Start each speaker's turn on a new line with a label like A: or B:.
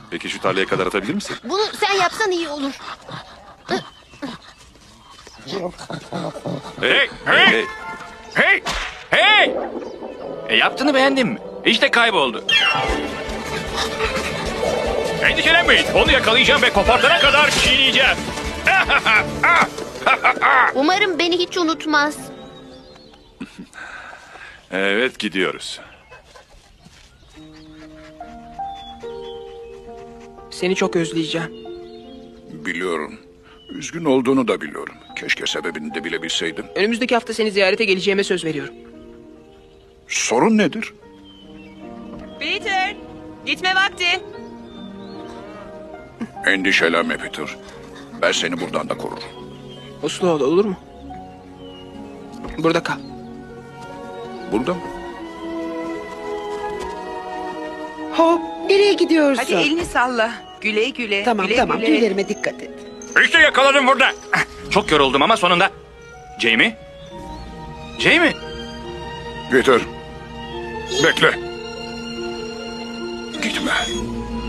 A: Peki şu tarlaya kadar atabilir misin?
B: Bunu sen yapsan iyi olur.
A: Hey!
C: Hey! Hey! Hey! Yaptığını beğendin mi? İşte kayboldu. Endişelenmeyin. Onu yakalayacağım ve kopartana kadar çiğneyeceğim.
B: Umarım beni hiç unutmaz.
A: Evet, gidiyoruz.
D: Seni çok özleyeceğim.
E: Biliyorum. Üzgün olduğunu da biliyorum. Keşke sebebini de bilebilseydim.
D: Önümüzdeki hafta seni ziyarete geleceğime söz veriyorum.
E: Sorun nedir?
F: Peter, gitme vakti.
E: Endişelenme Peter. Ben seni buradan da korurum.
D: Uslu ol, olur mu? Burada kal.
E: Burada mı?
G: Hop, nereye gidiyorsun?
F: Hadi elini salla. Güle güle.
G: Tamam
F: güle
G: tamam,
F: güle.
G: tüylerime dikkat et.
C: İşte yakaladım burada. Çok yoruldum ama sonunda. Jamie? Jamie?
E: Peter. Bekle. Gitme.